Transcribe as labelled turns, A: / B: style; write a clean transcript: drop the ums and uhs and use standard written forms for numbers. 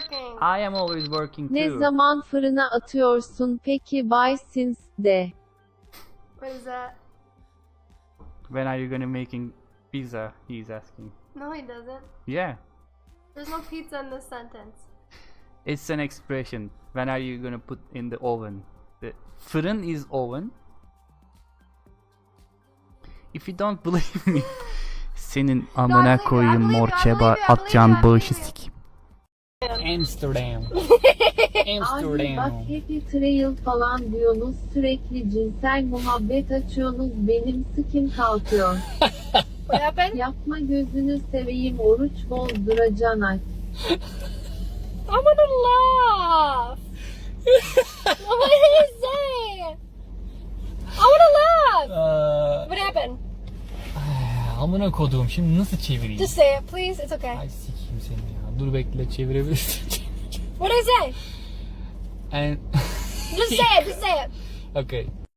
A: working.
B: I am always working
C: Ne
B: too.
C: zaman fırına atıyorsun peki Bay Sins de.
A: What is that?
B: When are you gonna making pizza? He's asking.
A: No, he doesn't.
B: Yeah,
A: There's no pizza in this sentence.
B: it's an expression. When are you gonna put in the oven? The fırın is oven. If you don't believe me, senin amına koyayım mor çeba atacağın bağışı sikeyim.
D: Amsterdam.
C: Abi bak
D: Amsterdam.
C: happy trail falan diyorsunuz sürekli cinsel muhabbet açıyorsunuz benim sıkım kalkıyor.
A: What happened?
C: Yapma gözünü seveyim oruç bozduracan aç.
A: I wanna laugh. What did you say? I wanna laugh. What happened?
D: Amına koduğum, şimdi nasıl çevireyim?
A: Just say it, please. It's okay.
D: Ay sikeyim seni ya. Dur bekle, çevirebilirsin.
A: What did I say?
D: And
A: Just say it. Just say it.
D: okay.